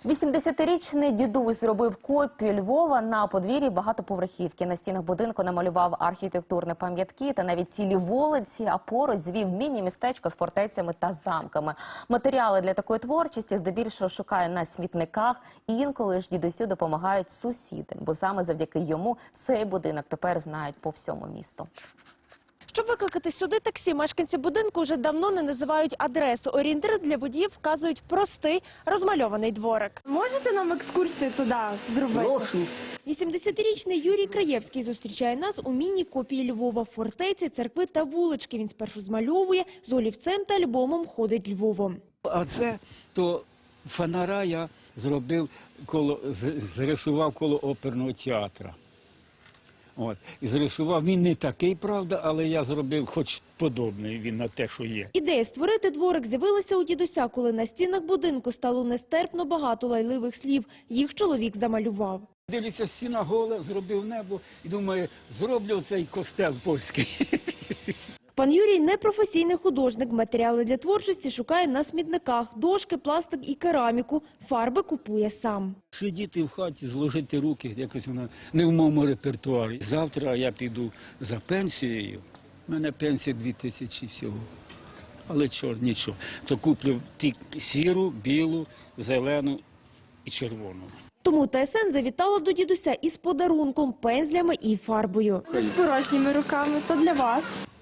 80-річний дідусь зробив копію Львова на подвір'ї багатоповерхівки. На стінах будинку намалював архітектурні пам'ятки та навіть цілі вулиці, а поруч звів міні-містечко з фортецями та замками. Матеріали для такої творчості здебільшого шукає на смітниках. Інколи ж дідусю допомагають сусіди, бо саме завдяки йому цей будинок тепер знають по всьому місту. Щоб викликати сюди таксі, мешканці будинку вже давно не називають адресу. Орієнтир для водіїв вказують простий розмальований дворик. Можете нам екскурсію туди зробити? Прошу. 80-річний Юрій Краєвський зустрічає нас у міні-копії Львова, фортеці, церкви та вулички. Він спершу змальовує, з олівцем та альбомом ходить Львовом. А це то фонаря я зробив, зрисував коло оперного театру. От. І зрисував, він не такий, правда, але я зробив хоч подобний він на те, що є. Ідея створити дворик з'явилася у дідуся, коли на стінах будинку стало нестерпно багато лайливих слів. Їх чоловік замалював. Дивлюся, стіна гола, зробив небо і думаю, зроблю цей костел польський. Пан Юрій – непрофесійний художник. Матеріали для творчості шукає на смітниках. Дошки, пластик і кераміку. Фарби купує сам. Сидіти в хаті, зложити руки, якось воно не в моєму репертуарі. Завтра я піду за пенсією. У мене пенсія 2000 всього. Але нічого. То куплю сіру, білу, зелену і червону. Тому ТСН завітала до дідуся із подарунком, пензлями і фарбою. З порожніми руками, то для вас.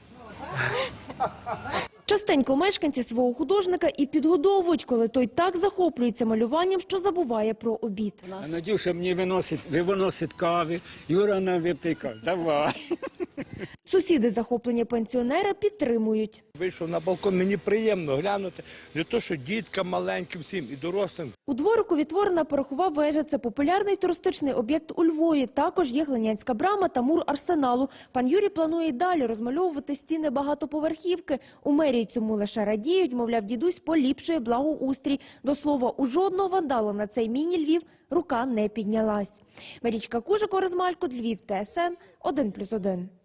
Частенько мешканці свого художника і підгодовують, коли той так захоплюється малюванням, що забуває про обід. А Надюша мені виносить кави, Юра нам випий кави. Давай. Сусіди захоплення пенсіонера підтримують. Вийшов на балкон, мені приємно глянути, не то, що діткам маленьким всім і дорослим. У дворику відтворена порохова вежа. Це популярний туристичний об'єкт у Львові. Також є Глинянська брама та мур Арсеналу. Пан Юрій планує й далі розмальовувати стіни багатоповерхівки. У мерії цьому лише радіють, мовляв, дідусь поліпшує благоустрій. До слова, у жодного вандала на цей міні-Львів рука не піднялась. Марічка Кужик, Орес Малькут, Львів, ТСН 1+1.